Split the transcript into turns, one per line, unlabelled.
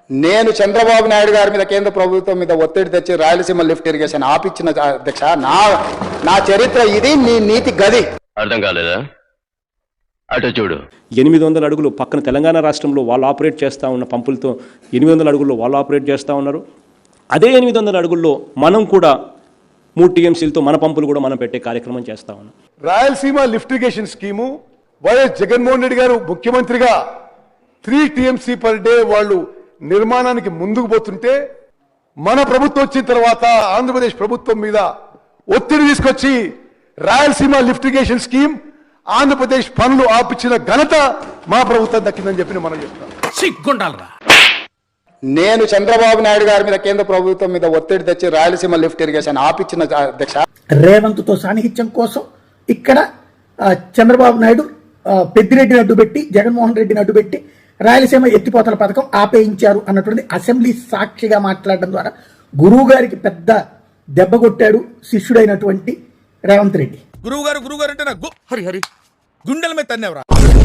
నేను చంద్రబాబు నాయుడు గారి మీద కేంద్ర ప్రభుత్వం మీద ఒత్తిడి తెచ్చి రాయలసీమ లిఫ్ట్ ఇరిగేషన్ ఆపిచ్చిన అధ్యక్ష నా చరిత్ర ఇది, నీ నీతి గది.
అర్థం కాలేదా? అటు చూడు.
800 అడుగులు పక్కన తెలంగాణ రాష్ట్రంలో వాళ్ళు ఆపరేట్ చేస్తూ ఉన్న పంపులతో 800 అడుగుల్లో వాళ్ళు ఆపరేట్ చేస్తూ ఉన్నారు. అదే 800 అడుగుల్లో మనం కూడా 3 టీఎంసీలతో మన పంపులు కూడా మనం పెట్టే కార్యక్రమం చేస్తూ ఉన్నాం.
Rayalaseema lift irrigation scheme YS Jaganmohan Reddy garu ముఖ్యమంత్రిగా 3 టీఎంసీ పర్ డే వాళ్ళు నిర్మాణానికి ముందుకు పోతుంటే మన ప్రభుత్వం వచ్చిన తర్వాత ఆంధ్రప్రదేశ్ ప్రభుత్వం మీద ఒత్తిడి తీసుకొచ్చి Rayalaseema lift irrigation scheme Andhra Pradesh పనులు ఆపించిన ఘనత మా ప్రభుత్వం దక్కిందని చెప్పి మనం చెప్తాం.
నేను చంద్రబాబు నాయుడు గారి మీద కేంద్ర ప్రభుత్వం మీద ఒత్తిడి తెచ్చి రాయలసీమ లిఫ్ట్ ఇరిగేషన్ ఆపిచ్చిన అధ్యక్ష.
రేవంత్తో సాన్నిహిత్యం కోసం ఇక్కడ చంద్రబాబు నాయుడు పెద్దిరెడ్డిని అడ్డుపెట్టి జగన్మోహన్ రెడ్డిని అడ్డుపెట్టి రాయలసీమ ఎత్తిపోతల పథకం ఆపేయించారు అన్నటువంటి అసెంబ్లీ సాక్షిగా మాట్లాడడం ద్వారా గురువు గారికి పెద్ద దెబ్బ కొట్టాడు శిష్యుడైనటువంటి రేవంత్ రెడ్డి.
గురువు గారు అంటే నాకు హరి గుండెల మీద తన్నేవరా.